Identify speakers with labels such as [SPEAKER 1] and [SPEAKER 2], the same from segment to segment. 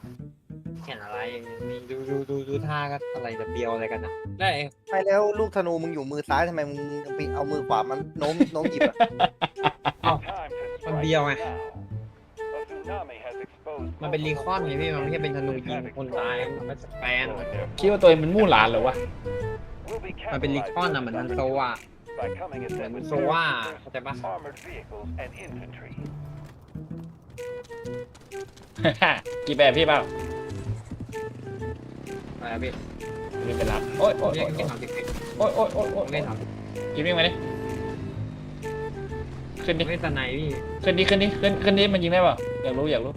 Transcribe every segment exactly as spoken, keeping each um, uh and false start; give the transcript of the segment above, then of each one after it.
[SPEAKER 1] เห็นอะไรมีดูดูดูดูท่าก็อะไรจะเบียวอะไรกันนะได้
[SPEAKER 2] ใช่แล้วลูกธนูมึงอยู่มือซ้ายทำไมมึงไปเอามือขวามันโน้มโน้มหยิบอะ
[SPEAKER 1] มันเบียวไงมันเป็นรีคอนไงพี่มันไม่ใช่เป็นธนูยิงคนตายมันไม่สแปน
[SPEAKER 3] คิดว่าตัวเองเป็นมู่หลานเหรอวะ
[SPEAKER 1] มันเป็นรีคอนอะเหมือนมันโซว่าเหมือนมันโซว่าเข้าใจปะ
[SPEAKER 3] กี่แบบพี่เปล่า
[SPEAKER 1] อะไรอะพี่
[SPEAKER 3] ไม่เป็นรับโอ๊ยโอ๊ย
[SPEAKER 1] เล่
[SPEAKER 3] โอ๊
[SPEAKER 1] น
[SPEAKER 3] ย
[SPEAKER 1] เล่นสามสิบเอ็ด
[SPEAKER 3] โอ๊ยโอ๊ยโอ๊ยโอ๊ย
[SPEAKER 1] เล่นสาม
[SPEAKER 3] กินวิ่งมาดิขึ้นดิ
[SPEAKER 1] เล่นตะไนพี่
[SPEAKER 3] ขึ้นดิขึ้นดิขึ้นขึ้นดิมันยิงได้เปล่าอยากรู้อยากรู้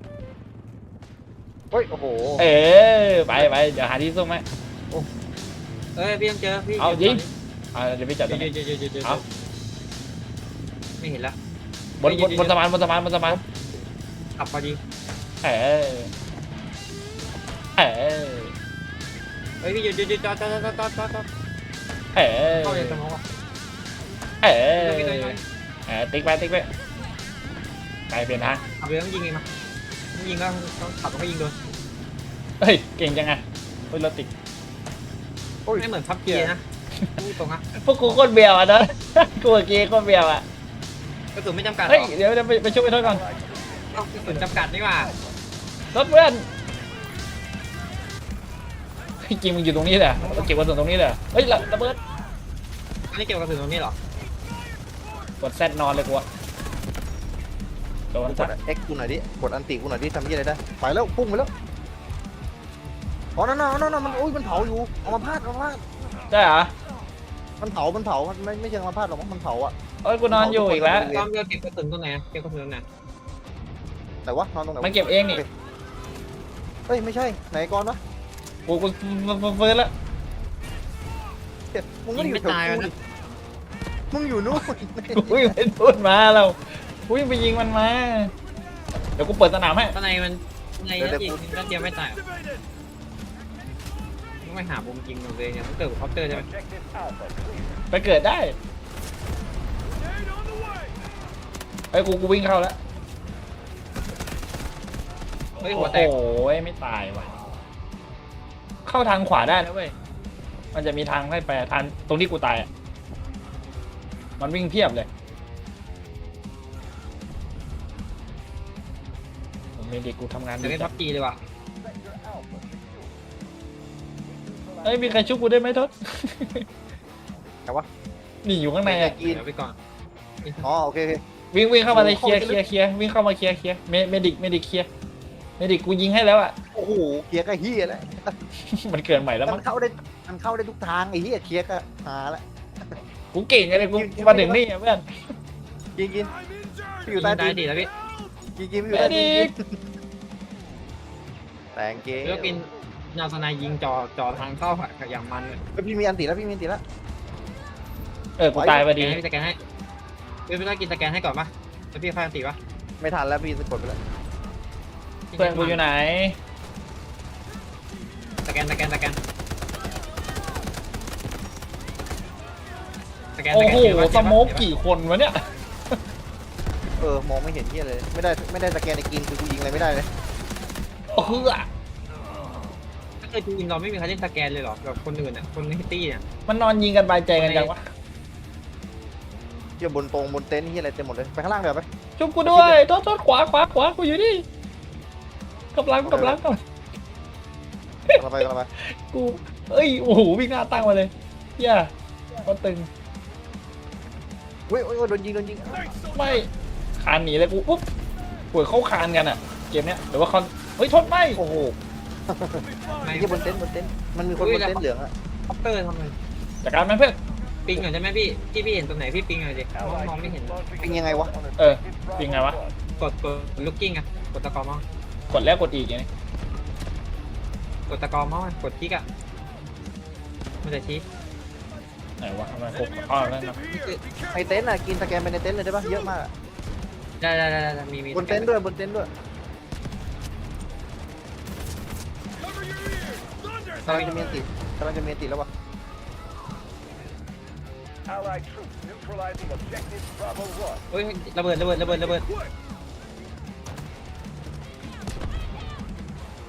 [SPEAKER 2] เฮ้ยโอ้โห
[SPEAKER 3] เออไปไปเดี๋ยวหาที่ซุ่มไหม
[SPEAKER 1] เอ้ยพี่ต้องเจอพี่
[SPEAKER 3] เอายิง อ่าเดี๋ยวไปจับ
[SPEAKER 1] เจ
[SPEAKER 3] ตร
[SPEAKER 1] อง เจ
[SPEAKER 3] นี้
[SPEAKER 1] อเจอเจอเจอ
[SPEAKER 3] เอา
[SPEAKER 1] ไม่เห็นละ
[SPEAKER 3] บนบนบนสะพานบนสะพานบนสะพาน
[SPEAKER 1] ขับพอดี
[SPEAKER 3] เออเออ
[SPEAKER 1] เฮ้ยพี่หยุดหยุดหยุดจอดจอดจอดจอดจอดจอด
[SPEAKER 3] เออ
[SPEAKER 1] เข้าในสมองอ่ะ
[SPEAKER 3] เออ
[SPEAKER 1] พี่ตัวน้อย
[SPEAKER 3] เออติ๊กไปติ๊กไปไปเปลี่ยนทาง
[SPEAKER 1] ขับเรือต้องยิงเองมาต้องยิงแล้วต้องขับต้องยิงโดน
[SPEAKER 3] เฮ้ยเก่งจังไงเฮ้ยรถติด
[SPEAKER 1] ไม่เหมือนพับเกียร์นะพูดตรงนะ
[SPEAKER 3] พวกกูโคตรเบียวอ่ะนะ กูกับเกียร์โคตรเบียวอ่ะ
[SPEAKER 1] กระสุนไม่จำกัดหร
[SPEAKER 3] เฮ้ย
[SPEAKER 1] อ
[SPEAKER 3] เดี๋ยวเดี๋ยวไปไปช่วยไปโทษก่อน
[SPEAKER 1] เอากระสุนจำกัดนี่ว่า
[SPEAKER 3] รถเพื่อนเฮ้ยจริงมึงอยู่ตรงนี้แหละเราเก็บกระสุนตรงนี้เลยเฮ้ยระระเบิด
[SPEAKER 1] อันนี้เกี่ยวกับกระสุนตรงนี้หรอก
[SPEAKER 3] ดแซดนอนเลยกูอะโดน
[SPEAKER 2] ก
[SPEAKER 3] สั
[SPEAKER 2] ด
[SPEAKER 3] ตว์
[SPEAKER 2] เอ็กกูหน่อยดิกดอันติกูหน่อยดิทำยี่อะไรได้ไปแล้วพุ่งไปแล้วอ๋อนั่นน่ะนั่นน่ะมันอุ้ยมันเผาอยู่เอามาพาดเอามาพาด
[SPEAKER 3] ใช่เหรอ
[SPEAKER 2] มันเผามันเผามันไม่ไม่เชิงมาพาดหรอกมันเผาอะ
[SPEAKER 3] เอ้ยกูนอนอยู่อีกแล้ว
[SPEAKER 1] ตอนเรือเก็บกระสุนตรงไหนเก็บกระสุนตรงไหน
[SPEAKER 2] แต่ว่านอนตรงไหน
[SPEAKER 3] มันเก็บเองนี่
[SPEAKER 2] เฮ้ยไม่ใช่ไหนก่อนวะ
[SPEAKER 3] กูกูเฟิร์สแล้ว
[SPEAKER 2] เฮ้ยมึง
[SPEAKER 1] ยิ
[SPEAKER 2] ไม่
[SPEAKER 1] ง
[SPEAKER 2] ได้อ
[SPEAKER 1] ไม่
[SPEAKER 2] ยู่แถว
[SPEAKER 1] ตาย
[SPEAKER 2] กู
[SPEAKER 1] นะ
[SPEAKER 2] ดิมึงอยู่นู่น
[SPEAKER 3] กูวิ่งไปพูดมาเรากูวิ่งไปยิงมันมาเดี๋ยวกูเปิดสนามให้
[SPEAKER 1] ตอนไหนมันในนั้นยิงนัดเดียวไม่ตายต้องไปหามุมยิงของตัวเองเนี่ยต้องเกิดกับคอปเตอร์ใช่ไหม
[SPEAKER 3] ไปเกิดได้ไอ้ยกูกูวิ่งเข้าแล้ว
[SPEAKER 1] เฮ้ย
[SPEAKER 3] โอ้
[SPEAKER 1] หัวแตก
[SPEAKER 3] โหไม่ตายว่ะเข้าทางขวาได้นะเว้ยมันจะมีทางให้ไปทางตรงที่กูตายอะมันวิ่งเพียบเลยผมเมดิกกูทำงาน
[SPEAKER 1] เดี๋ยว
[SPEAKER 3] ดี
[SPEAKER 1] เล่น
[SPEAKER 3] จั
[SPEAKER 1] พั
[SPEAKER 3] ง
[SPEAKER 1] บจีเลยว่ะ
[SPEAKER 3] เอ้ยมีใครชุบกูได้ไหมทศ
[SPEAKER 2] แต่ว่า
[SPEAKER 3] นี่อยู่ข้างในอะ
[SPEAKER 2] กิน
[SPEAKER 1] เดี๋ยวไปก่อน
[SPEAKER 2] อ๋อโอเคโอเค
[SPEAKER 3] วิ่งวิ่งเข้ามาเลย
[SPEAKER 2] โอ้
[SPEAKER 3] เคลียร์
[SPEAKER 2] เข้า
[SPEAKER 3] เค
[SPEAKER 2] ไป
[SPEAKER 3] ลียร์เคลียร์วิ่งเข้ามาเคลียร์เคลียร์เมเมดิกเมดิกเคลียร์เมดิกกูยิงให้แล้วอะ
[SPEAKER 2] โอ้โหเคลียร์ก็เฮียแล้ว
[SPEAKER 3] มันเกินใหม่แล้ว
[SPEAKER 2] มั
[SPEAKER 3] มั้
[SPEAKER 2] น
[SPEAKER 3] ง
[SPEAKER 2] เข้าได้มันเข้าได้ทุกทางไอ้เฮียเคลียร์ก็หาละ
[SPEAKER 3] กูเก่งไงเลยกูมาถึงนี่อะเพื่อน
[SPEAKER 2] กินกินพี่อ
[SPEAKER 1] ยิ
[SPEAKER 2] ยู่
[SPEAKER 1] ง
[SPEAKER 2] ใต้
[SPEAKER 1] ได้
[SPEAKER 2] ตีน
[SPEAKER 1] ดีแล้วพี่
[SPEAKER 2] กินกินพี่อยู่ใต้ตีนกินแต่งเกม
[SPEAKER 1] แล้วกินนาสนายยิงจอจอทางเข้าอย่างมันเลย
[SPEAKER 2] เฮ้ยพี่มีอันติแล้วพี่มีอันติแล้ว
[SPEAKER 3] เออกูตายพอดี
[SPEAKER 1] ให้สแกนให้พี่ไม่ต้องกินสแกนให้ก่อนปะแล้วพี่ค่อยตีปะ
[SPEAKER 2] ไม่ทันแล้วพี่สะกดไปแล้ว
[SPEAKER 3] เพื่อนกูอยู่ไหน
[SPEAKER 1] สแกนสแกนสแกนสแกน
[SPEAKER 3] โอ้โห
[SPEAKER 1] เห็นปะ
[SPEAKER 3] สโมกกี่คนวะเนี่ย
[SPEAKER 2] เออมองไม่เห็นเฮียเลยไม่ได้ไม่ได้สแกนในกินคือกูยิงอะไรไม่ได้เลย
[SPEAKER 3] โอ้โหอะ
[SPEAKER 1] ถ้าเคยทีมเราไม่มีใครเล่นสแกนเลยเหรอแบบคนอื่นอ่ะคนในตี้เนี่ย
[SPEAKER 3] มันนอนยิงกันบายใจกันจังวะ
[SPEAKER 2] เฮียบนตรงบนเต็นท์เฮียอะไรเต็มหมดเลยไปข้างล่างเดี๋ยวไป
[SPEAKER 3] ชุบกูด้วยโทษโทษขวาขวาขวากูอยู่นี่กำลังกำลังกำลัง
[SPEAKER 2] กลับไปกลับไป
[SPEAKER 3] กูเอ้ยโอ้โหวิ่งหน้าตั้งมาเลยเหี้ย่ก็ตึง
[SPEAKER 2] เฮ้ยเฮ้ยโดนยิงโดนยิง
[SPEAKER 3] ไม่คานหนีเลยกูปุ๊บปวดเข้าคานกันอ่ะเกมเนี้ยหรือว่าคอนเฮ้ยทนไม่
[SPEAKER 2] โอ้โห
[SPEAKER 1] ไม่
[SPEAKER 2] เฮียบนเต็นท์บนเต็นท์มันมีคนบนเต็นท์เหลืองอะ
[SPEAKER 1] คอปเตอร์ทำไม
[SPEAKER 3] จัดการมันเพื่อน
[SPEAKER 1] ปิงหน่อยใช่ไหมพี่พี่พี่เห็นตรงไหนพี่ปิงหน่อยดิมองมองไม่เห็น
[SPEAKER 2] เป็นยังไงวะ
[SPEAKER 3] เออปิงไงวะ
[SPEAKER 1] กดกดลูกกิ้งอะกดตะกอมอง
[SPEAKER 3] กดแล้วกดอีกอย่างนี้
[SPEAKER 1] กดตะกอมองกดคลิกอะมันจะชี้
[SPEAKER 3] ไหนวะทำไมกดอ้อนั่นนะ
[SPEAKER 2] ไอเต็นท์อะกินสแกนไปในเต็นท์เลยได้ปะเยอะมากอะ
[SPEAKER 1] ได้ได้ได้ได้มีมี
[SPEAKER 2] บนเต็นท์ด้วยบนเต็นท์ด้วยกำลังจะมีอันติกำลังจะมีอันติแล้ววะ
[SPEAKER 1] เฮ้ยระเบิดระเบิดระเบิดระเบิด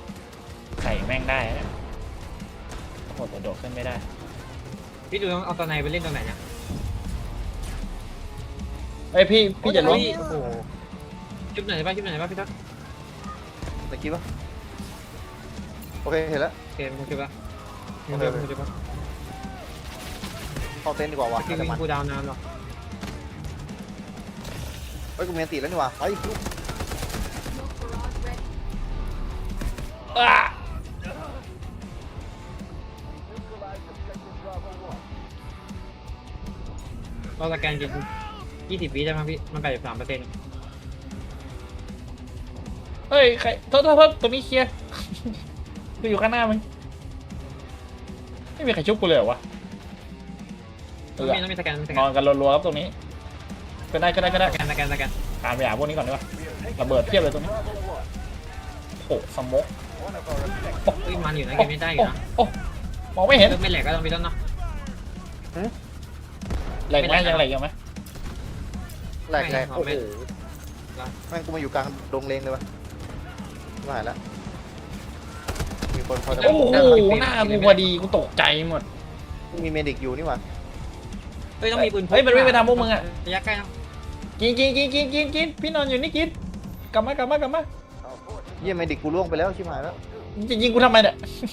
[SPEAKER 3] แม่งได้นะโอ้โหแต่โดดขึ้นไม่ได้
[SPEAKER 1] พี่ดูต้องเอาตัวไหนไปเล่นตัวไหนเนี่ย
[SPEAKER 3] เอ้ยพี่พี่จะล้วง
[SPEAKER 1] เฮ้ยโอ้โหชุบไหนบ้างชุบไหนบ้างพี่ทัศน์
[SPEAKER 2] ตะกี้ปะโอเคเห็นแล้ว
[SPEAKER 1] โอเคมึงชุบละมึงชุบมึงชุบละ
[SPEAKER 2] เข้าเต็นท์ดีกว่าวะ
[SPEAKER 1] สกิล
[SPEAKER 2] แต่
[SPEAKER 1] วิ่ง
[SPEAKER 2] มัน
[SPEAKER 1] กูดาวนานหรอ
[SPEAKER 2] เฮ้ยกูมีอันติแล้วนี่วะไปลูก
[SPEAKER 3] อ้า
[SPEAKER 1] เราสแกนกินยี่สิบวิได้ไหมพี่มันแปดสิบสามเปอร์เซ็นต์
[SPEAKER 3] เฮ้ยใครโทษโทษโทษตรงนี้เคลียร์ กูอยู่ข้างหน้ามึงไม่มีใครชุบกูเลยเหรอวะเอ
[SPEAKER 1] ต้อง
[SPEAKER 3] อ
[SPEAKER 1] มีต้องมีสแกนสแก
[SPEAKER 3] น
[SPEAKER 1] น
[SPEAKER 3] อนกันรัวๆครับตรงนี้ก็ได้ก็ได้ก็ได้
[SPEAKER 1] สแกนสแกนสแกน
[SPEAKER 3] ตามไปหาพวกนี้ก่อนดีกว่าระเบิดเพียบเลยตรงนี้โอ้สมก
[SPEAKER 1] เฮ้ยมันอยู่นะเกมไม่ได้อยู่นะ
[SPEAKER 3] โอ้มองไม่เห็น
[SPEAKER 1] เริ่มไม่แหลกก็ต้องพี่ต้นเนาะ
[SPEAKER 3] แหลกไหมยังแหลกยังไหม
[SPEAKER 2] แหลกแหลก
[SPEAKER 1] ไม่
[SPEAKER 2] โอ้โห
[SPEAKER 1] ไม่
[SPEAKER 2] แม่งกูมาอยู่กลางดงเลงเลยวะไม่หายแล้วมีคนคอย
[SPEAKER 3] โอ้โหหน้ากูพอดีกูตกใจหมด
[SPEAKER 2] มีเมดิกอยู่นี่วะ
[SPEAKER 1] เฮ้ยต้องมีปืน
[SPEAKER 3] เฮ้ยมันวิ่งไปทางพวกมึงอะ
[SPEAKER 1] ระยะใกล้นะ
[SPEAKER 3] กินกินกินกินกินกินพี่นอนอยู่นี่กินกลับมากลับมากลับมา
[SPEAKER 2] เยี่ยมเมดิกกูล่วงไปแล้วชิบหายแล้ว
[SPEAKER 3] จะยิงกูทำไมเนี่ย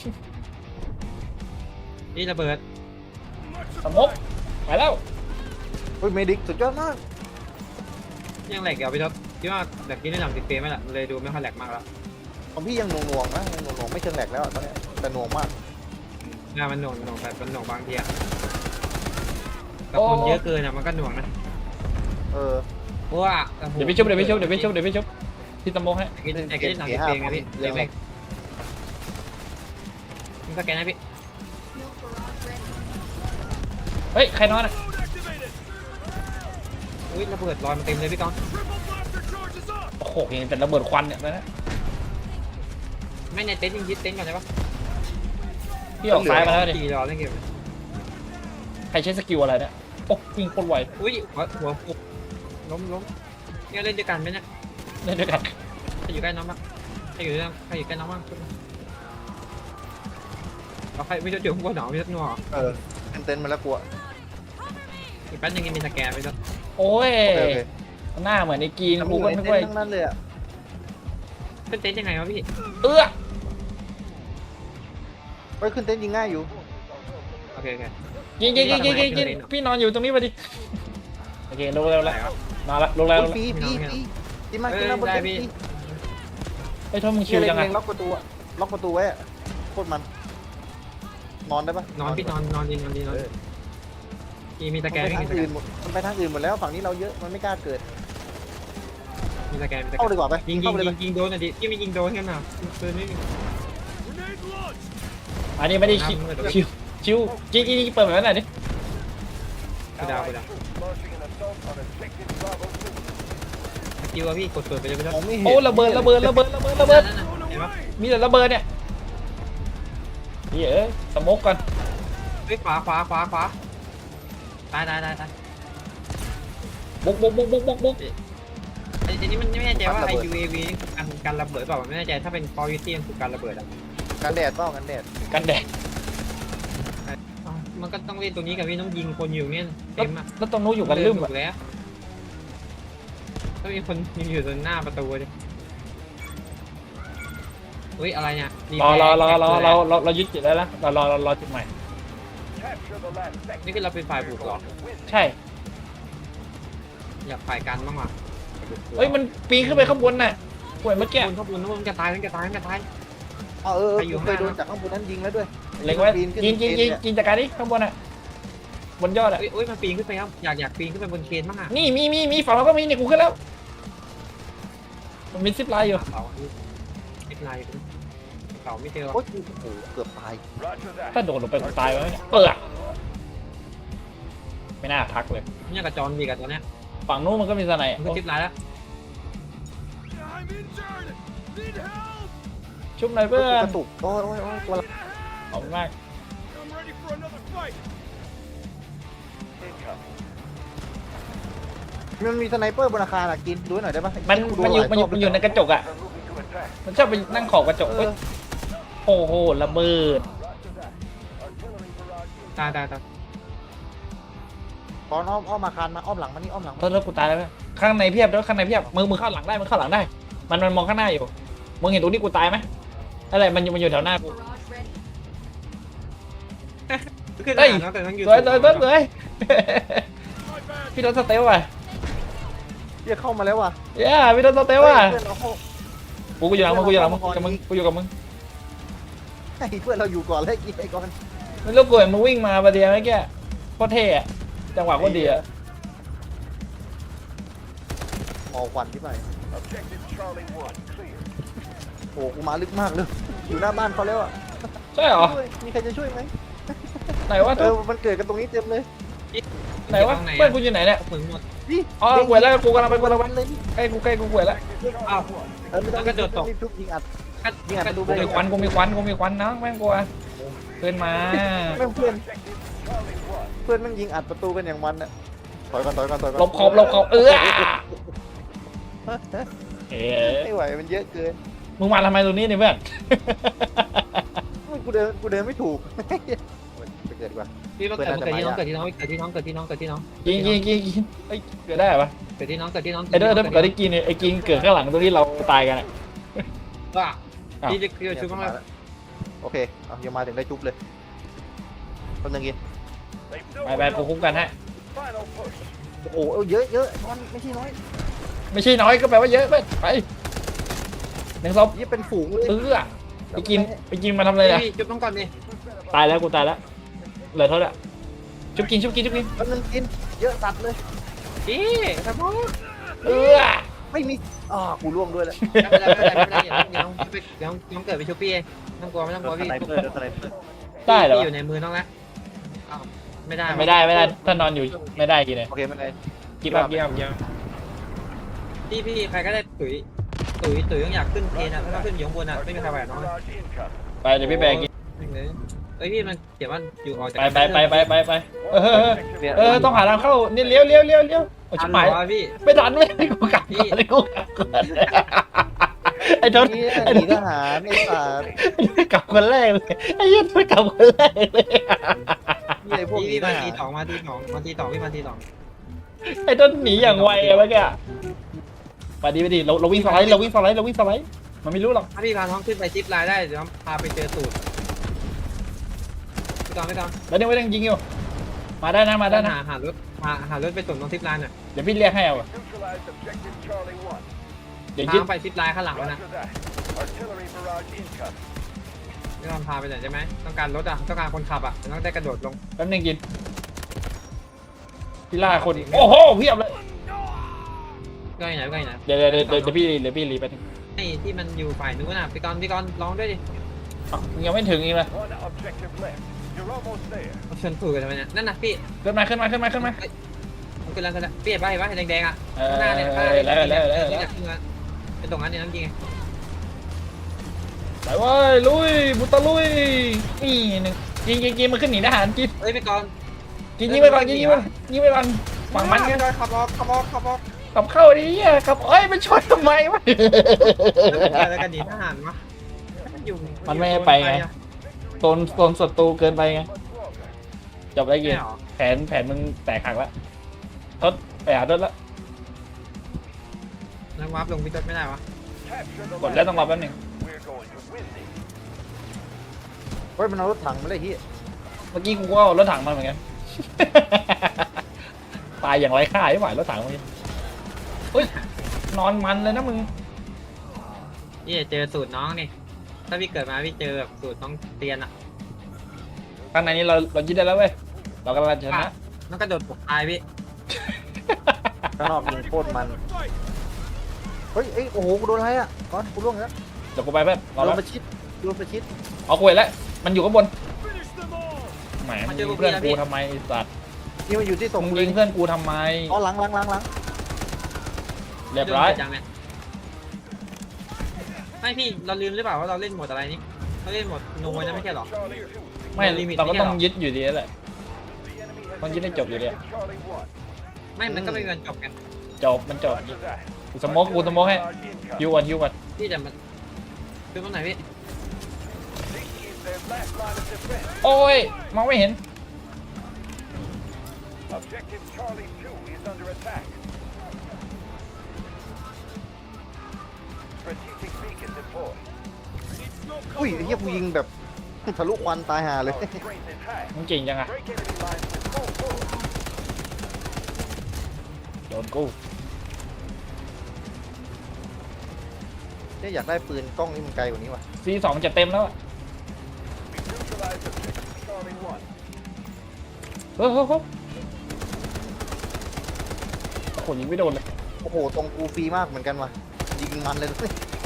[SPEAKER 1] นี่ระเบิด
[SPEAKER 3] สมกไปแล้ว
[SPEAKER 2] เฮ้ยเมดิกสุดยอดมาก
[SPEAKER 1] ยังแหลกเดี๋ยวพี่ต้นคิดว่าแบบนี้ได้หลังติดเฟรมไหมล่ะเลยดูไม่ค่อยแหลกมากแล้ว
[SPEAKER 2] ของพี่ยังหน่วงๆนะยังหน่วงๆไม่เชิงแหลกแล้วอะตอนเนี้ยแต่หน่วงมาก
[SPEAKER 1] งานมันหน่วงหน่วงแบบมันหน่วงบางทีอะกับคนเยอะเกินอะมันก็หน่วงนะ
[SPEAKER 2] เออ
[SPEAKER 1] เพราะว่าโอ้โห
[SPEAKER 3] เดี๋ยวไปชุบเดี๋ยวไปชุบเดี๋ยวไปชุบเดี๋ยวไปชุบพี่สมกให้
[SPEAKER 1] ไอ้กินไอ้กินหนังติดเฟรมไงพี่เลยไม่มึงสแกนให้พี่
[SPEAKER 3] เฮ้ยใครนอนอ่ะ
[SPEAKER 1] อุ้ยระเบิดลอยมาเต็มเลยพี่กอง
[SPEAKER 3] โอ้โหเห็นแต่ระเบิดควันเนี่ยนะ
[SPEAKER 1] ไม่ในเต็นท์ยิงยึดเต็นท์ก่อนได้ปะ
[SPEAKER 3] พี่ออกซ้ายมาแล้วดิ
[SPEAKER 1] ขี่รอเล่นเกม
[SPEAKER 3] ใครใช้สกิลอะไรเนี่ยโอ้วิ่งโคตรไว
[SPEAKER 1] อุ้ยหัวหัวฟุบล้มล้มเนี่ยเล่นด้วยกันไหมเนี่ย
[SPEAKER 3] เล่นด้วยกัน
[SPEAKER 1] ใครอยู่ใกล้น้องบ้างใครอยู่ใกล้ใครอยู่ใกล้น้องบ้างเราใครไม่รู้เดี๋ยวหัวหนาวไม่รู้หนาว
[SPEAKER 2] เออเป็นเต็นท์มาแล้วกลัว
[SPEAKER 1] อีกแป๊บนึงยังมีสแกนไปแล้ว
[SPEAKER 3] โอ้ย
[SPEAKER 2] โอเคโอเค
[SPEAKER 3] หน้าเหมือนไอ้กีน
[SPEAKER 2] ทำอ
[SPEAKER 3] กู
[SPEAKER 2] ยู่
[SPEAKER 3] ก็
[SPEAKER 2] ใน
[SPEAKER 3] นึก
[SPEAKER 2] เต็น
[SPEAKER 3] ว่า
[SPEAKER 2] ท์ทั้งนั้นเลยอะ
[SPEAKER 1] เป็นเต็นท์ยังไงวะพี่
[SPEAKER 3] เอื้อ
[SPEAKER 2] เฮ้ยขึ้นเต็นท์ยิงง่ายอยู่
[SPEAKER 1] โอเคโอเค
[SPEAKER 3] ยิงยิงยิงยิงยิงยิงพี่นอนอยู่ตรงนี้พอดีโอเคลงแล้ว
[SPEAKER 1] ไหน
[SPEAKER 3] แล้ว
[SPEAKER 1] วะ
[SPEAKER 3] นอนละลงแล้ว
[SPEAKER 2] โอ้ยปีปีปีกินมากินมาบนเต็นท์ปี
[SPEAKER 3] ไอ้ยโทษมึง
[SPEAKER 2] เชี
[SPEAKER 3] ชิ
[SPEAKER 2] ยว ร์
[SPEAKER 3] จัง
[SPEAKER 2] เล็
[SPEAKER 3] อะ
[SPEAKER 2] งๆล็อกประตูอะล็อกประตูไว้อะโคตรมัน นอนได้ปะ
[SPEAKER 1] นอนพี่นอนนอนยิงนอนยิงนอน
[SPEAKER 2] เออ
[SPEAKER 1] มีมีส
[SPEAKER 2] มัน
[SPEAKER 1] แก
[SPEAKER 2] ไป
[SPEAKER 1] น
[SPEAKER 2] ทาง
[SPEAKER 1] มีสแก
[SPEAKER 2] อื่
[SPEAKER 1] น
[SPEAKER 2] นหมดมันไปทางอื่นหมดแล้วฝั่งนี้เราเยอะมันไม่กล้าเกิด
[SPEAKER 1] มีสแกนมีสแก
[SPEAKER 2] เข้าน ดีกว่าไป
[SPEAKER 1] ยิงยิ
[SPEAKER 2] เข้าง ไปเลย
[SPEAKER 1] ยิงยิงโดนอ่ะดิที่ไม่ยิงโดนกันน่ะปืนไม่มี
[SPEAKER 3] อันนี้ไม่ได้ชิวชิวชิวยิงยิงยิงเปิดแบบนั้นหน่อยดิ
[SPEAKER 1] กูดาวกูดาวสกิลอะพี่กดเปิดไปเลยไม่ได้
[SPEAKER 2] มองไม่เห็น
[SPEAKER 3] โอ้ระเบิดระเบิดระเบิดระเบิดระเบิด
[SPEAKER 1] นั่นน่ะเห็นปะ
[SPEAKER 3] มีแต่ระเบิดเนี่ยนี่เอ้ยสโมกก่อน
[SPEAKER 1] เฮ้ยขวาขวาขวาขวาตายตายตายตาย
[SPEAKER 3] บุกบุกบุกบุกบุกบุก
[SPEAKER 1] ไอ้ไอ้นี่มันไม่แน่ใจว่าไอ้ ยู เอ วี นี่การการระเบิดเปล่ามันไม่แน่ใจถ้าเป็น Call of Duty มันคือการระเบิดอ่ะ
[SPEAKER 2] กันแดดเปล่ากันแดด
[SPEAKER 3] กันแดด
[SPEAKER 1] อ้าวมันก็ต้องเล่นตรงนี้กับพี่ต้องยิงคนอยู่เนี่ยเต็มอ่ะ
[SPEAKER 3] แล้วตรงนู้นอยู่กันลืม
[SPEAKER 1] ถู
[SPEAKER 3] อ่ะ
[SPEAKER 1] กแล้วต้องมีคนยิงอยู่ตรงหน้าประตูดิอุ้ยอะไรเนี่ย
[SPEAKER 3] รอรอรอรอเราเราเรายึดจุดได้แล้วเรารอเรารอจุดใหม่
[SPEAKER 1] นี่คือเราเป็นฝ่ายบุกเหรอ
[SPEAKER 3] ใช่
[SPEAKER 1] อยากฝ่ายกันบ้างว่ะ
[SPEAKER 3] เฮ้ยมันปีนขึ้นไปข้างบนน่ะป่วยเมื่อกี้
[SPEAKER 1] บนข้างบนข้างบนมันจะตายมันจะตายมันจะตาย
[SPEAKER 2] อ๋อเออ
[SPEAKER 1] ใครอยู่
[SPEAKER 2] เคย
[SPEAKER 1] ข้างหน้า
[SPEAKER 2] โดนจากข้างบนนั้นยิงแล้วด้วย
[SPEAKER 3] เล็งไว้
[SPEAKER 2] ปีนขึ้น
[SPEAKER 3] ยิงยิงยิง
[SPEAKER 2] เนี่ย
[SPEAKER 3] ยิงจากการนี้ข้างบนอ่ะบนยอดอ่ะ
[SPEAKER 1] เอ้ยเอ้ยมันปีนขึ้นไปครับอยากอยากปีนขึ้นไปบนเคนบ้างอ่ะ
[SPEAKER 3] นี่มีมีมีฝั่งเราก็มีเนี่ยกูขึ้นแล้วมันมีซิปไลน์อยู่
[SPEAKER 1] เสาไม่เป็นไรเสาไม่เจอ
[SPEAKER 2] โอ้ยโอ้โหเกือบตาย
[SPEAKER 3] ถ้าโดดลงไปกูตายไว้เนี่ยเออไม่น่าทักเลย
[SPEAKER 1] เนี่ยกับจอนมีกับตัวเนี้ย
[SPEAKER 3] ฝั่งนู้นมันก็มีสไนด์
[SPEAKER 1] มันก็ทิปไลน์แล้ว
[SPEAKER 3] ชุบหน่อยเพื่อก น
[SPEAKER 2] ระตุกโอ้ยโอ้ยโอ้ยตัวละ
[SPEAKER 3] ขอบคุณมาก
[SPEAKER 2] มันมีสไนเปอร์บนอาคารอะกินดูหน่อยได้ปะ
[SPEAKER 3] มัน
[SPEAKER 2] กูดู
[SPEAKER 3] มันอยู่
[SPEAKER 2] หลา
[SPEAKER 3] มันอยู่
[SPEAKER 2] รบ
[SPEAKER 3] มันอยู่ในกระจกอ่ะมันชอบไปนั่งขอบกระจก
[SPEAKER 2] เอ
[SPEAKER 3] เอ้ย
[SPEAKER 2] อ
[SPEAKER 3] โอ้โหระเบิด
[SPEAKER 1] ตายตายตาย
[SPEAKER 2] ตอนอ้อมอ้อมมาคานมาอ้อมหลังมานี่อ้อมหลัง
[SPEAKER 3] โทษโทษกูตายแล้วเว้ยข้างในเพียบแล้วข้างในเพียบมึงมึงเข้าหลังได้มึงเข้าหลังได้ มันมันมองข้างหน้าอยู่มึงเห็นตรงนี้กูตายไหมอะไรมันอยู่มันอยู่แถวหน้ากู
[SPEAKER 1] ขึ้น
[SPEAKER 3] เฮ้ย
[SPEAKER 1] น้องแต่ต้องอยู่
[SPEAKER 3] สวยสวยสวยสวยพี่รถสเตลว่ะ
[SPEAKER 2] เรียกเข้ามาแล้วว่ะ
[SPEAKER 3] เย้พี่รถสเตลว่ะ
[SPEAKER 2] เพื่อนเราเข้า
[SPEAKER 3] กูกูอยู่หลังมึงกูอยู่หลังมึงกับมึงกูอยู่กับมึง
[SPEAKER 2] ให้เพื่อนเราอยู่ก่อนเลยกี่ไอ้ก่อน
[SPEAKER 3] ไม่รู้กูเห็นมึงวิ่งมาประเดี๋ยวเมื่อกี้โคตรเท่อะจังหวะโคตรดีอะ
[SPEAKER 2] หอควันที่ไปโอ้กูมาลึกมากเลยอยู่หน้าบ้านเขาแล้วอ่ะ
[SPEAKER 3] ใช่เหรอ
[SPEAKER 2] ช่วยมีใครจะช่วยไหม
[SPEAKER 3] ไหนวะ
[SPEAKER 2] เออมันเกิดกันตรงนี้เต็มเลย
[SPEAKER 3] ไหนวะเพื่อนกูอยู่ไหนเนี่ย
[SPEAKER 1] มึงหมด
[SPEAKER 2] นี่
[SPEAKER 3] อ๋อหวยแล้วกูกำลังไปกูกำลังไป
[SPEAKER 2] เลยนี่
[SPEAKER 3] ใกล้กูใกล้กูหวยแล้ว
[SPEAKER 1] อ้าว
[SPEAKER 2] เออไม่ต้อง
[SPEAKER 1] แล้วก็โดดตก
[SPEAKER 2] รีบทุบยิงอัด
[SPEAKER 1] ก็
[SPEAKER 2] ยิงอัด
[SPEAKER 1] ก็
[SPEAKER 2] ดู
[SPEAKER 3] กูมีควันกูมีควันกูมีควันนะแม่งกลัวเพื่อนมา
[SPEAKER 2] แม่งเพื่อนเพื่อนแม่งยิงอัดประตูกันอย่างมันอ่ะถอยก่อนถอยก่อนถอยก่อน
[SPEAKER 3] หลบขอบหลบขอบเออเอ๊ะ
[SPEAKER 2] ไม่ไหวมันเยอะเกิน
[SPEAKER 3] มึงมาทำไมตรงนี้เนี่ยเพื่อน
[SPEAKER 2] กูเดินกูเดินไม่ถูกไปเกิดดีกว่า
[SPEAKER 1] พี่มาเกิดมาเกิดที่น้องเกิดที่น้องเกิดที่น้องเกิดที่น้องเกิดที่น้อง
[SPEAKER 3] กินกินกินกินเอ้ยเกิดได้ปะ
[SPEAKER 1] เกิดที่น้องเกิดที่น้อง
[SPEAKER 3] ไอ้เด้อเด้อเกิดได้กินเนี่ยไอ้กินเกิดข้างหลังตรงที่เราตายกันอะ
[SPEAKER 1] ว่าพี่จะคือชุบมา
[SPEAKER 2] โอเคเอายังมาถึงได้จุ๊บเลยคนนึงกิน
[SPEAKER 3] ไปไปกูคุ้มกันให้
[SPEAKER 2] โอ้โหเยอะเยอะมันไม่ใช่น้อย
[SPEAKER 3] ไม่ใช่น้อยก็แปลว่าเยอะเพื่อนไปหนึ่งศพ
[SPEAKER 2] ยี่เป็นฝูงเลย
[SPEAKER 3] เออไปกินไปกินมาทำอะไรอะ
[SPEAKER 1] พี่ชุบต้องก่อนดิ
[SPEAKER 3] ตายแล้วกูตายแล้วเหลือเท่าไหร่ชุบกินชุบกินชุบกิน
[SPEAKER 2] คนนึงกินเยอะตัดเลย
[SPEAKER 1] พี่สมอง
[SPEAKER 3] เออ
[SPEAKER 2] ไม่มีอ่ากูร่วงด้วยแหละ
[SPEAKER 1] ไม่ได้ไม่ได้ไม่ได้เดี๋ยวน้องเดี๋ยวน้องเกิดไปชุบพี่ไม่ต้องกลัวไม่ต้องกลัวพี่
[SPEAKER 2] สไนเปอร์สไนเปอร์
[SPEAKER 3] ได้เหรอ
[SPEAKER 1] อยู่ในมือน้องแล้วไม่ได้
[SPEAKER 3] ไม่ได้ไม่ได้ถ้านอนอยู่ไม่ได้กินเลย
[SPEAKER 2] โอเคไม่เป็นไร
[SPEAKER 3] กินแบบกินแบบกิน
[SPEAKER 1] พี่พี่ใครก็ได้ตุ๋ยตุ๋ยตุ๋ยต้องอยากขึ้นเทนอ่ะถ้าขึ้นอยู่ข้างบนอ่ะไม่มีใครไหวน้อง
[SPEAKER 3] ไปเดี๋ยวพี่แบกกิน
[SPEAKER 1] เอ้ยพี่มันเขียนว่าอยู่ออกจาก
[SPEAKER 3] ไปไปไปไปไปไปเออเออต้องหาทางเข้านี่เลี้ยวเลี้ยวเลี้ยวเลี้ยวโอ้ชิบหาย
[SPEAKER 1] พี่
[SPEAKER 3] ไม่ทันไม่ทันกูกลับก่อนเลยกูกลับก่อนไอ้ทศ
[SPEAKER 2] นี่
[SPEAKER 3] ไอ้
[SPEAKER 2] หนีทหารไอ้สาร
[SPEAKER 3] กลับคนแรกเลยไอ้ยันกลับคนแรกเลย
[SPEAKER 2] นี่ไอ้พวกหนี
[SPEAKER 1] พี่
[SPEAKER 2] ท
[SPEAKER 1] มา
[SPEAKER 2] หาร
[SPEAKER 1] ทีสองมาทีสองมาทีสองพี่มาทีสอง
[SPEAKER 3] ไอ้ทศหนีอย่างไวเมื่อกี้ไปดีไปดีเราเราวิ่งสไลด์เราวิ่งสไลด์เราวิ่งสไลด์มันไม่รู้หรอก
[SPEAKER 1] ถ้าพี่พาน้องขึ้นไปจิ๊บไลน์ได้เดี๋ยวพาไปเจอสูตรไม่ต้องไม่ต้อง
[SPEAKER 3] แล้วเนี่ยไม่ต้องยิงอยู่มาได้นะมาได้นะ
[SPEAKER 1] หาหารถหาหารถไปส่งตรงทิปไลน์น่ะ
[SPEAKER 3] เดี๋ยวพี่เรียกให้เอาเดี๋ยวยึด
[SPEAKER 1] พาไปทิปไลน์ข้างหลังนะไม่ต้องพาไปไหนใช่ไหมต้องการรถอ่ะต้องการคนขับอ่ะต้องได้กระโดดลง
[SPEAKER 3] แป๊บนึงกินพี่ล่าคนโอ้โหเพียบเลย
[SPEAKER 1] ก็ไหนก็ไหน
[SPEAKER 3] เดี๋ยวเดี๋ยวเดี๋ยวเดี๋ยวพี่เดี๋ยวพี่รีไปถึง
[SPEAKER 1] ไอ้ที่มันอยู่ฝ่ายนู้นน่ะพี่กรณ์พี่กรณ์ร้องด้วยดิ
[SPEAKER 3] ยังไม่ถึงอีกเลย
[SPEAKER 1] ชนสูตรกันทำไมเนี่ยนั่นน่ะพี่
[SPEAKER 3] ขึ้นมาขึ้นมาขึ้นมาขึ้นมา
[SPEAKER 1] มันคืออะไรกันพี่เห็นป่ะเห็นป่ะแดงๆอ่ะ
[SPEAKER 3] เออ
[SPEAKER 1] หน้าเนี่ย
[SPEAKER 3] แล้วแล้วแล้ว
[SPEAKER 1] นี่
[SPEAKER 3] แล้ว
[SPEAKER 1] จากขึ้นมาเป็นตรงนั้นเนี่ยน้ำจริง
[SPEAKER 3] ไปเว้ยลุยบุตรลุยนี่หนึ่งยิงยิงยิงมันขึ้นหนีทหารกิน
[SPEAKER 1] เฮ้ยพี่กรณ์
[SPEAKER 3] ยิงยิงไปก่อนยิงยิงไปยิงไปก่อนฝั่งมัน
[SPEAKER 1] พี่
[SPEAKER 3] ไง
[SPEAKER 1] กรณ์ขับออกขับออกขับออก
[SPEAKER 3] ขับเข้าดิเหี้ยขับเอ้ยมันชนทำไมวะ
[SPEAKER 1] อะไรกันดีทหารวะอยู่
[SPEAKER 3] มันไม่ให้ไปไงโซนโซนศัตรูเกินไปไงจบได้กินแผนแผนมึงแตกหักแล้วทดไปหาทดแล้ว
[SPEAKER 1] นักวาร์ปลงพี่ต้นไม่ได้วะ
[SPEAKER 3] กดแล้วต้องรอแป๊บหนึง
[SPEAKER 2] เฮ้ยมันเอารถถังมาเลยที่
[SPEAKER 3] เมื่อกี้กูก็เอารถถังมาเหมือนกัน ตายอย่างไรค่าไม่ไหวรถถังเมื่อกี้เฮ้ยนอนมันเลยนะมึง
[SPEAKER 1] พี่เจอสูตรน้องนี่ถ้าพี่เกิดมาพี่เจอแบบสูตรน้องเตียนอ่ะ
[SPEAKER 3] ข้างในนี้เราเรายึดได้แล้วเว้ยเรากำลังชนะ
[SPEAKER 1] น้องกระโดดปกตายพี่
[SPEAKER 2] ข้างนอกยิงโคตรมันเฮ้ยเอ้ยโอ้โหกูโดนอะไรอ่ะก่อนกูร่วงแล้ว
[SPEAKER 3] เดี๋ยวกูไปแป๊บรอ
[SPEAKER 2] โด
[SPEAKER 3] แป๊
[SPEAKER 2] น
[SPEAKER 3] บ
[SPEAKER 2] ประชิดโดนประชิด
[SPEAKER 3] เอาคุยแล้วมันอยู่ข้างบนแหมมึงยิงเพื่อนกูทำไมไอ้สัตว์
[SPEAKER 2] นี่มันอยู่ที่ส่ง
[SPEAKER 3] มึงยิงเพื่อนกูทำไม
[SPEAKER 2] อ๋อหลังหลังหลังหลัง
[SPEAKER 3] เรียบร้อย
[SPEAKER 1] จังเนี่ยไม่พี่เราลืมหรือเปล่าว่าเราเล่นโหมดอะไรนี่เราเล่นโหมดโนยนะไม่ใช่หรอ
[SPEAKER 3] ไม่เราก็ต้องยึดอยู่ดีแหละต้องยึดให้จบอยู่ดี
[SPEAKER 1] ไม่มันก็ไม่มีวันจบกัน
[SPEAKER 3] จบมันจบกูสโมกกูสโมกให้ฮิวก่อนฮิวก่อน
[SPEAKER 1] พี่จะมาคือตรงไหนพี่
[SPEAKER 4] their last line of defense.
[SPEAKER 3] โอ้ยมองไม่เห็น
[SPEAKER 4] Objective Charlie two is under attack. Strategic beacon deployed.
[SPEAKER 2] อุ้ยไอ้เหี้ยกูยิงแบบทะลุควันตายห่าเลย
[SPEAKER 4] Our strength is high.
[SPEAKER 3] มึงเก่งจังอะ
[SPEAKER 4] Break enemy lines with full force.
[SPEAKER 3] โดนกู
[SPEAKER 2] เนี่ยอยากได้ปืนกล้องนี่มันไกลกว่านี้ว่ะ
[SPEAKER 3] ซีสองจะเต็มแล้วอะ
[SPEAKER 4] We neutralized objective Charlie one.
[SPEAKER 3] เฮ้ยเฮ้ยเฮ้ยโอ้โหยิงไม่โดนเลย
[SPEAKER 2] โอ้โหตรงกูฟรีมากเหมือนกันว่ะยิงมันเลยนะ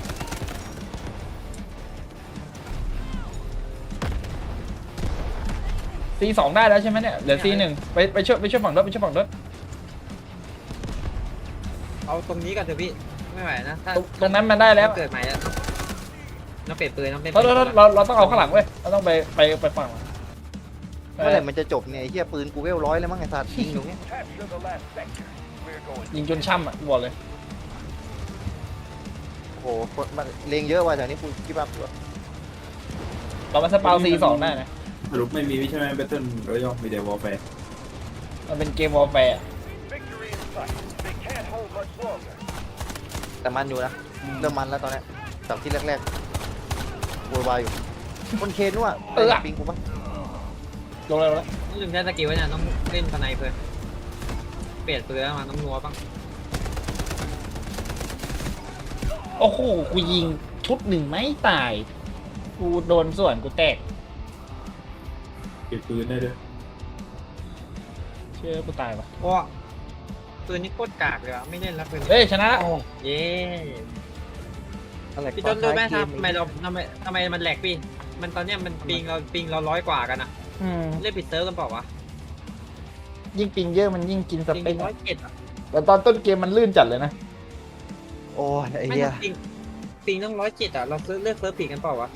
[SPEAKER 3] ซีสองได้แล้วใช่ไหมเนี่ยเหลือซีหนึ่งไปไปช่วยไปช่วยฝั่งรถไปช่วยฝั่งรถ
[SPEAKER 1] เอาตรงนี้ก่อนเถอะพี่ไม่ไหวนะถ้า
[SPEAKER 3] ตรงตรงนั้นมันได้แล้ว
[SPEAKER 1] เกิดใหม่แล้วน้องเปลี่ยนปืนน้องเปลี่ยน
[SPEAKER 3] เรา
[SPEAKER 1] ปืน
[SPEAKER 3] เราเราเราต้องเอาข้างหลังเว้ยเราต้องไปไปไปฝั่งหลัง
[SPEAKER 2] เมื่อไหร่มันจะจบเนี่ยไอ้เหี้ยปืนกูเวลร้อยแล้วมั้งไอ้สัตว์ยิงอยู่เนี้ย
[SPEAKER 4] Capture the last sector. We're going.
[SPEAKER 3] ยิงจนช่ำอ่ะบอกเลย
[SPEAKER 2] โอ้โหคนมันเลงเยอะว่ะแถวนี้กูคิดว่า
[SPEAKER 3] เรามาสปาวซีสองได้นะ
[SPEAKER 5] สรุปไม่มีใช่ไหม Battle Royale มีแต่ Warfare
[SPEAKER 3] มันเป็นเกมวอลแฟร์
[SPEAKER 4] Victory in sight. They can't hold much longer.
[SPEAKER 2] แต่มันอยู่นะเริ่มมันแล้วตอนเนี้ยจากที่แรกๆโวยวายอยู่คนเคนด้วยปิงกูปะ
[SPEAKER 3] ลงเลยลงเลย
[SPEAKER 1] ต้องลืมได้สกิลไว้เนี่ยต้องเล่นสไนเปอร์เปลี่ยนปืนแล้วมาต้องนัวบ้าง
[SPEAKER 3] โอ้โหกูยิงชุดหนึ่งไม่ตายกูโดนส่วนกูแตก
[SPEAKER 5] เก็บปืนได้ด้วย
[SPEAKER 3] เชื่อกูตายปะ
[SPEAKER 1] เพราะปืนนี่โคตรกากเลยอะไม่เล่นแล้วปืนนี้
[SPEAKER 3] เฮ้ยชนะละ
[SPEAKER 1] เย้
[SPEAKER 2] อะไร
[SPEAKER 1] พี่ต้นรู้ไหมทำไมเราทำไมทำไมมันแหลกพี่มันตอนเนี้ยมันปิงเราปิงเราร้อยกว่ากันอะ
[SPEAKER 3] อืม
[SPEAKER 1] เล่นปิดเซิร์ฟกันเปล่าวะ
[SPEAKER 3] ยิ่งปิงเยอะมันยิ่งกินส
[SPEAKER 1] ปิง
[SPEAKER 3] เปค
[SPEAKER 1] ร้อยเจ็ดอะ
[SPEAKER 3] แต่ตอนต้นเกมมันลื่นจัดเลยนะ
[SPEAKER 2] โอ้ยไอ้
[SPEAKER 1] ไม่
[SPEAKER 2] เหี้ย
[SPEAKER 1] ปิงปิงต้องร้อยเจ็ดอะเราเซิร์ฟเลือกเซิร์ฟผิดกันเปล่าวะ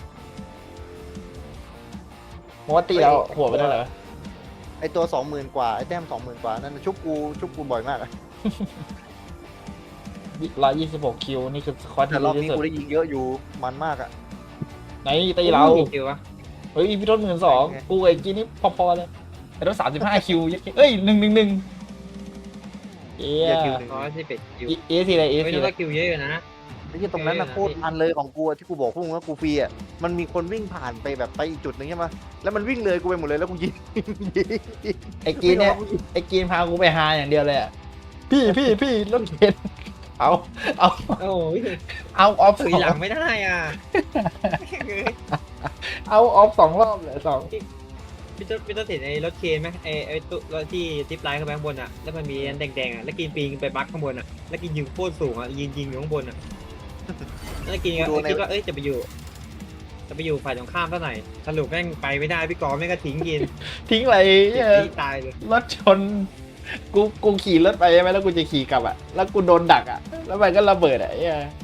[SPEAKER 3] มอตีเราหัวไปได้เหรอ
[SPEAKER 2] ไอตัวสองหมื่นกว่าไอแต้มสองหมื่นกว่านั่นชุบกูชุบกูบ่อยมากอะ
[SPEAKER 3] ร้อยยี่สิบหกคิวนี่คือสควอต
[SPEAKER 2] แต่
[SPEAKER 3] ที่
[SPEAKER 2] ร
[SPEAKER 3] ดี
[SPEAKER 2] อบ
[SPEAKER 3] ที่
[SPEAKER 2] นี้
[SPEAKER 3] สุด
[SPEAKER 2] กูได้ยิงเยอะอยู่มันมากอะ
[SPEAKER 3] ไหนตีเรา
[SPEAKER 1] กี่คิววะ
[SPEAKER 3] เฮ้ยพี่ต้นหมื่นสองกูไอ้จีนี่พอๆเลยไอ้ต้นสามสิบห้าคิวเอ้ยหนึ่งหนึ่งหนึ่งเอ๊
[SPEAKER 2] เหี้ย
[SPEAKER 3] ะ
[SPEAKER 2] คิวหนึ่ง
[SPEAKER 1] ร้อยสิบเอ็ดคิว
[SPEAKER 3] เอซีอะไรเอ
[SPEAKER 1] ไม่
[SPEAKER 3] ซี
[SPEAKER 1] รู้
[SPEAKER 3] อะไร
[SPEAKER 1] ว่าคิวเยอะอยู่นะ
[SPEAKER 2] ไอ้ที่ตรงนั้นนะโคตรมันเลยของกูอะที่กูบอกพวกมึงว่ากูฟรีอะมันมีคนวิ่งผ่านไปแบบไปอีกจุดหนึ่งใช่ไหมแล้วมันวิ่งเลยกูไปหมดเลยแล้วกูยิง
[SPEAKER 3] ไอ้กีนเนี่ยไอ้กีนพากูไปหาอย่างเดียวเลยอ่ะพี่พี่พี่รถเข็นเอาเอา
[SPEAKER 1] โอ้ย
[SPEAKER 3] เอาออฟส
[SPEAKER 1] ถุ
[SPEAKER 3] อย ง
[SPEAKER 1] หลังไม่ได้อ่ะ
[SPEAKER 3] เอาออฟสองรอบเลยสอง
[SPEAKER 1] พี่ต้นพี่ต้นเห็นไอ้รถเคนไหมไอ้ไอ้ตู้รถที่ทิปไลน์ข้างบนข้างบนอ่ะแล้วมันมีอันแดงๆอ่ะแล้วกินปีนไปบักข้างบนอ่ะแล้วกินยิงโคตรสูงอ่ะยิงยิงอยู่ข้างบนอ่ะแล้วกินก็คิดว่าเอ้ยจะไปอยู่จะไปอยู่ฝ่ายตรงข้ามเท่าไหร่สรุปแม่งไปไม่ได้พี่กอล์ฟแม่งก็ทิ้งกิน
[SPEAKER 3] ทิ้งอะไร
[SPEAKER 1] ติด
[SPEAKER 3] เนี่ย
[SPEAKER 1] ที่ตายเลย
[SPEAKER 3] รถชนกูกูขี่รถไปใช่ไหมแล้วกูจะขี่กลับอ่ะแล้วกูโดนดักอ่ะแล้วมันก็ระเบิดอ่ะไอ้เหี้ย